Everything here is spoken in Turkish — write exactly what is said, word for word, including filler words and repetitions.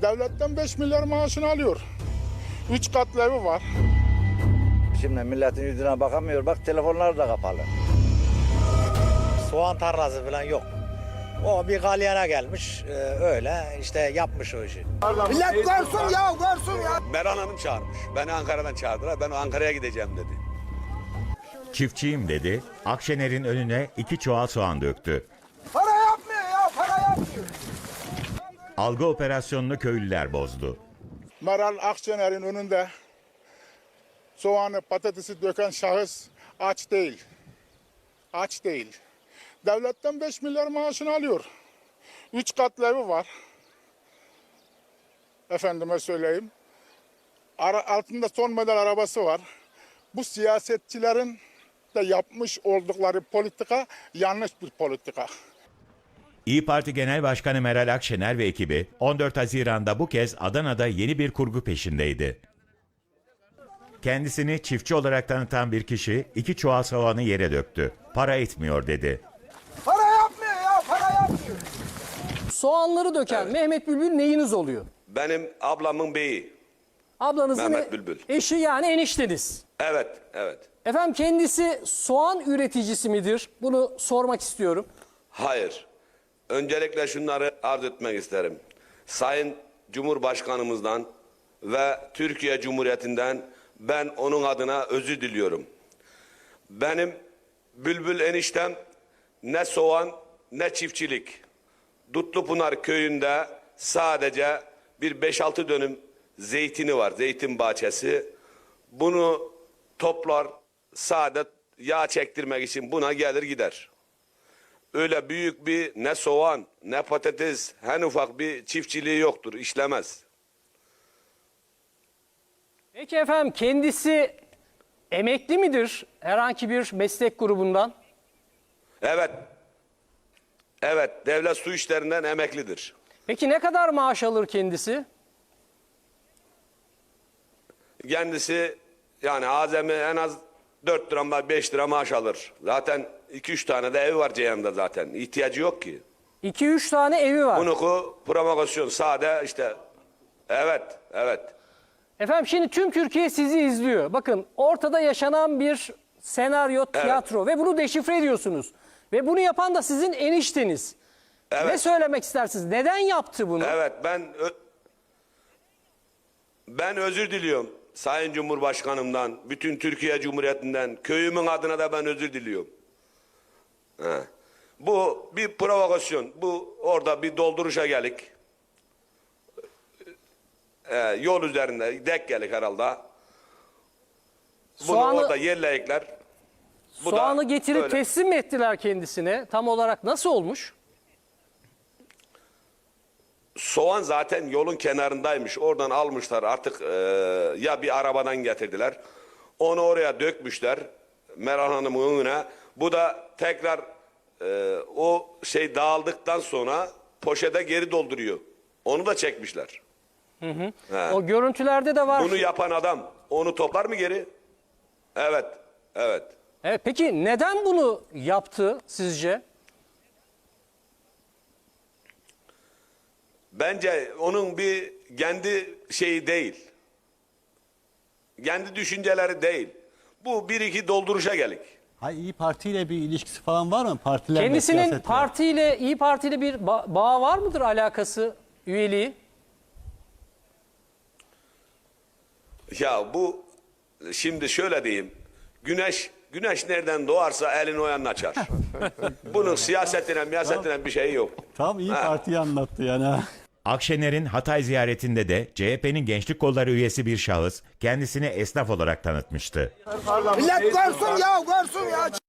Devletten beş milyar maaşını alıyor. Üç katlı evi var. Şimdi milletin yüzüne bakamıyor. Bak telefonlar da kapalı. Soğan tarlası falan yok. O bir galyana gelmiş, e, öyle işte yapmış o işi. Millet görsün ya, görsün ya. Meral Hanım çağırmış. Beni Ankara'dan çağırdılar. Ben Ankara'ya gideceğim dedi. Çiftçiyim dedi, Akşener'in önüne iki çuval soğan döktü. Para yapmıyor ya, para yapmıyor. Algı operasyonunu köylüler bozdu. Meral Akşener'in önünde soğanı, patatesi döken şahıs aç değil. Aç değil. Devletten beş milyar maaşını alıyor. Üç katlı evi var. Efendime söyleyeyim. Ara, altında son model arabası var. Bu siyasetçilerin de yapmış oldukları politika yanlış bir politika. İyi Parti Genel Başkanı Meral Akşener ve ekibi on dört Haziran'da bu kez Adana'da yeni bir kurgu peşindeydi. Kendisini çiftçi olarak tanıtan bir kişi iki çuval soğanı yere döktü. Para etmiyor dedi. Para yapmıyor ya, para yapmıyor. Soğanları döken Evet. Mehmet Bülbül neyiniz oluyor? Benim ablamın beyi. Ablanızın Mehmet e- Bülbül. eşi, yani enişteniz. Evet, evet. Efendim, kendisi soğan üreticisi midir? Bunu sormak istiyorum. Hayır. Öncelikle şunları arz etmek isterim. Sayın Cumhurbaşkanımızdan ve Türkiye Cumhuriyeti'nden ben onun adına özür diliyorum. Benim Bülbül eniştem ne soğan ne çiftçilik. Dutlupınar köyünde sadece bir beş altı dönüm zeytini var, zeytin bahçesi. Bunu toplar, sade yağ çektirmek için buna gelir gider. Öyle büyük bir ne soğan ne patates, en ufak bir çiftçiliği yoktur, işlemez. Peki efendim, kendisi emekli midir herhangi bir meslek grubundan? Evet, evet, devlet su işlerinden emeklidir. Peki ne kadar maaş alır kendisi? Kendisi yani azami en az dört lira beş lira maaş alır. Zaten iki üç tane de evi var Ceyhan'da zaten. İhtiyacı yok ki. iki üç tane evi var. Bunu ku promosyon sade işte. Evet, evet. Efendim, şimdi tüm Türkiye sizi izliyor. Bakın, ortada yaşanan bir senaryo, tiyatro ve bunu deşifre ediyorsunuz. Ve bunu yapan da sizin enişteniz. Evet. Ne söylemek istersiniz? Neden yaptı bunu? Evet, ben ö- ben özür diliyorum Sayın Cumhurbaşkanımdan, bütün Türkiye Cumhuriyeti'nden, köyümün adına da ben özür diliyorum. He. Bu bir provokasyon. Bu orada bir dolduruşa gelik. Ee, yol üzerinde dek gelik herhalde. Bunu Soğanı- orada yerleyikler. Bu da Soğanı getirip öyle. teslim mi ettiler kendisine? Tam olarak nasıl olmuş? Soğan zaten yolun kenarındaymış. Oradan almışlar artık, e, ya bir arabadan getirdiler. Onu oraya dökmüşler Meral Hanım'ın önüne. Bu da tekrar e, o şey dağıldıktan sonra poşete geri dolduruyor. Onu da çekmişler. He. O görüntülerde de var. Bunu yapan adam onu toplar mı geri? Evet, evet. Evet, peki neden bunu yaptı sizce? Bence onun bir kendi şeyi değil. Kendi düşünceleri değil. Bu bir iki dolduruşa gelik. Hayır, İyi Parti ile bir ilişkisi falan var mı? Partilerle, Kendisinin siyasetle. partiyle, İyi Parti'yle bir ba- bağı var mıdır, alakası, üyeliği? Ya bu şimdi şöyle diyeyim. Güneş güneş nereden doğarsa elini o yanına açar. Bunun siyasetine, miyasetine bir şeyi yok. Tam İyi Ha. Parti'yi anlattı yani. ha. Akşener'in Hatay ziyaretinde de C H P'nin Gençlik Kolları üyesi bir şahıs kendisini esnaf olarak tanıtmıştı. Millet görsün ya, görsün ya.